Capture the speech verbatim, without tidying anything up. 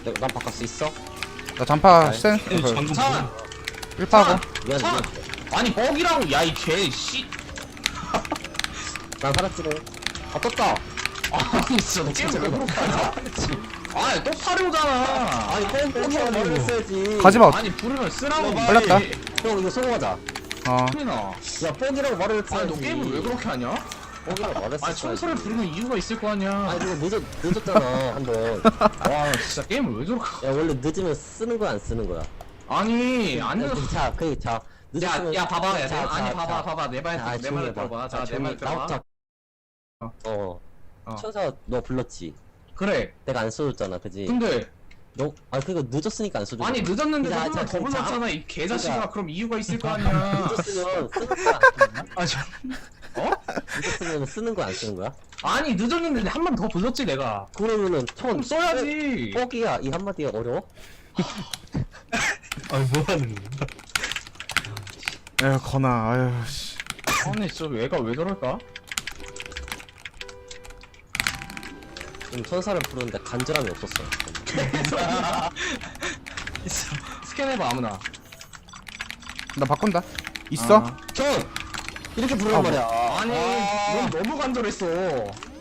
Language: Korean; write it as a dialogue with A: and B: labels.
A: 내- 난 바꿀 수 있어?
B: 나 잔파
A: 아이,
B: 센
C: 방금
D: 찬!
B: 일 파고
A: 미안
D: 찬!
A: 미안.
D: 아니 뻑이라고 야이 개씨
A: 난 살았지네. 아 떴다.
D: 아니 진짜 게임 왜 그렇게 하냐? 아니 또 타려오잖아.
A: 아니 뻥 뻥이라고 말을 했어야지.
B: 가지마.
D: 아니 부르면 쓰라고.
B: 걸렸다.
A: 형 이거 성공하자.
B: 어
D: 나
A: 야 뻥이라고 말을 했어야지.
D: 아니 너 게임을 왜 그렇게 하냐?
A: 뻥이라고 말했어.
D: 아니 청소를 부르는 이유가 있을 거 아니야.
A: 아니 이거 늦었 늦었잖아 한 번.
D: 와 진짜 게임을 왜 저렇게?
A: 야 원래 늦으면 쓰는 거야 안 쓰는 거야?
D: 아니 안
A: 야,
D: 늦어.
A: 자, 그, 자, 늦었으면.
D: 야, 야, 봐봐, 야,
A: 자,
D: 내,
A: 자,
D: 아니,
A: 자.
D: 봐봐, 봐봐, 내 말,
A: 자,
D: 내
A: 조용히
D: 말
A: 해봐.
D: 들어봐, 자, 내
A: 조용히
D: 말 들어봐.
A: 나부터.
D: 어.
A: 어.
D: 어.
A: 천사 너 불렀지.
D: 그래.
A: 내가 안 써줬잖아, 그지?
D: 근데
A: 너, 아 그거 늦었으니까 안 써줘.
D: 아니 늦었는데
A: 자,
D: 한번더
A: 자, 자,
D: 불렀잖아, 이 개자식아.
A: 그러니까.
D: 그럼 이유가 있을 거 아니야.
A: 늦었으면 쓰는 거야.
D: 아, 저, 어?
A: 늦었으면 쓰는 거야 안 쓰는 거야?
D: 아니 늦었는데 한 번 더 불렀지 내가.
A: 그러면은
D: 그럼
A: 천
D: 써야지.
A: 뻑이야 이 한마디가 어려워?
C: 아니 뭐하는 거야?
B: 에휴 건아 아유 씨
D: 아니 저 얘가 왜 저럴까?
A: 좀 천사를 부르는데 간절함이 없었어.
D: 스캔해봐 아무나.
B: 나 바꾼다 있어?
D: 아.
A: 천 이렇게 부르란
B: 아,
A: 말이야.
D: 아니 넌 너무 간절했어.